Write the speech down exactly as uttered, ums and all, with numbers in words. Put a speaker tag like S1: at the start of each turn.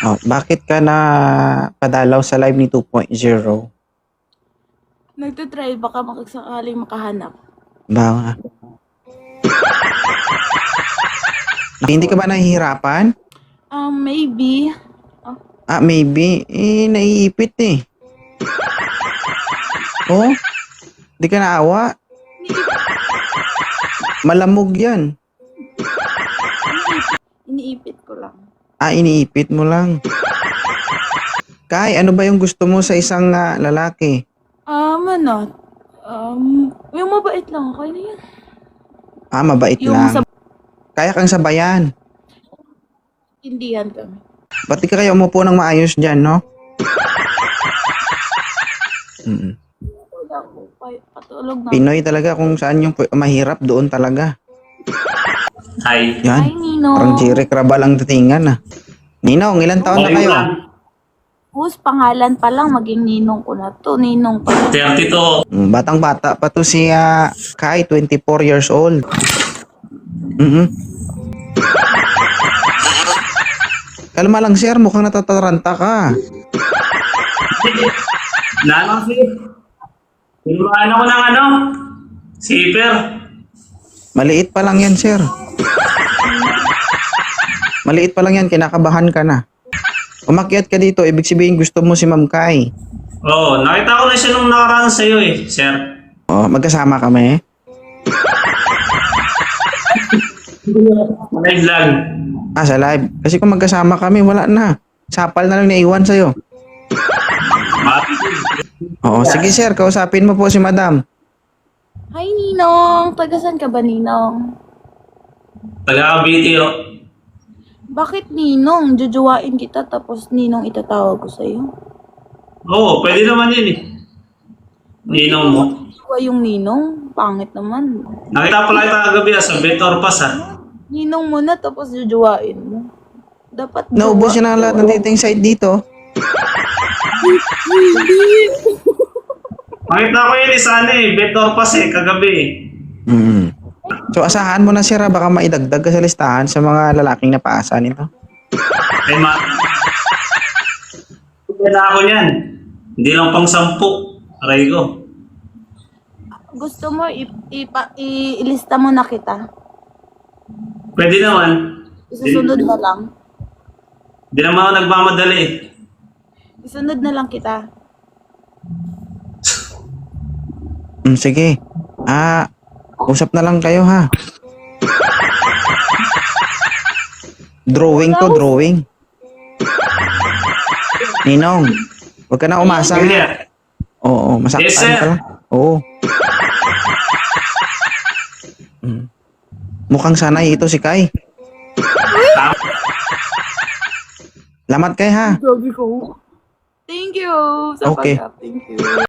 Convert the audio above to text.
S1: Oh, bakit ka na padalaw sa live ni two point oh?
S2: Nagtitry, baka makasakaling makahanap.
S1: Ba? Hindi ka ba nahihirapan?
S2: Um, maybe. Oh,
S1: Ah, maybe. Eh, naiipit eh. Oh? Di ka naawa? Malamog yan.
S2: iniipit ko lang.
S1: Ah, iniipit mo lang. Kai, ano ba yung gusto mo sa isang ah, lalaki?
S2: Um, ano? Um, yung mabait lang, okay na yan.
S1: Ah, mabait
S2: Yung
S1: lang.
S2: sa
S1: Kaya kang sabayan.
S2: intindihan kami.
S1: Ba't di ka kayo umupo ng maayos dyan, no? Mm.
S2: Wala ko, pa- patulog na.
S1: Pinoy talaga kung saan yung pu- mahirap doon talaga.
S3: Hi.
S2: Hi,
S1: Yan.
S2: Nino.
S1: Parang Jerry Crabal ang datingan ah. Ninong, ilan taon na
S3: Okay
S1: kayo?
S3: lang.
S2: Whose pangalan pa lang, maging ninong ko na to. Ninong pa.
S3: thirty-two.
S1: Mm, batang-bata pa to si ah, Kai, twenty-four years old. Mhm. Kalma lang sir, mukhang natataranta ka.
S3: Nalang si. Pinuhaan ako ng ano? Zipper.
S1: Maliit pa lang yan sir. Maliit pa lang yan, kinakabahan ka na. Umakyat ka dito, ibig sabihin gusto mo si Ma'am Kai.
S3: Oo, nakita ko na siya nung nakaraan sa'yo eh, sir.
S1: Oh, magkasama kami.
S3: Live lang.
S1: Ah, sa live. Kasi kung magkasama kami, wala na. Sapal na lang naiwan sa'yo. Oo, sige sir, kausapin mo po si Madam.
S2: Hi, Ninong. Tagasan ka ba, Ninong?
S3: Taga-Cavite oh.
S2: Bakit, Ninong? Jujuwain kita, tapos Ninong itatawag ko sa'yo.
S3: Oo, pwede naman yun eh. Ninong mo.
S2: Juwa yung Ninong? Pangit naman.
S3: Nakita pala kita kagabi ah, sa Betor Pass ah.
S2: Ninong mo na, tapos jujuwain mo. Dapat
S1: Naubos
S2: jowa.
S1: na ang lahat ng dating site dito.
S3: Nakita ko yun eh sana eh, Betor Pass eh, kagabi eh.
S1: Mm. So asahan mo na sir, ah, baka maidagdag ka sa listahan sa mga lalaking napaasa nito.
S3: Ay ma... Pwede na ako niyan. Hindi lang pang sampu. Aray ko.
S2: Gusto mo, i- ipa- i- ilista mo na kita.
S3: Pwede naman.
S2: Isusunod na lang.
S3: Hindi naman ako nagmamadali eh.
S2: Isunod na lang kita.
S1: Mm, sige. Ah, usap na lang kayo ha. Drawing to, drawing. Ninong, huwag ka na umasa.
S3: Pwede
S1: Ha?
S3: ah.
S1: Oo, masaktan
S3: Yes, sir.
S1: ka lang. Oo. Mm. Mukhang sanay ito si Kai. Lamat kay ha.
S2: Gabi ko. Thank you sa
S1: Okay.
S2: pag-up. Thank you.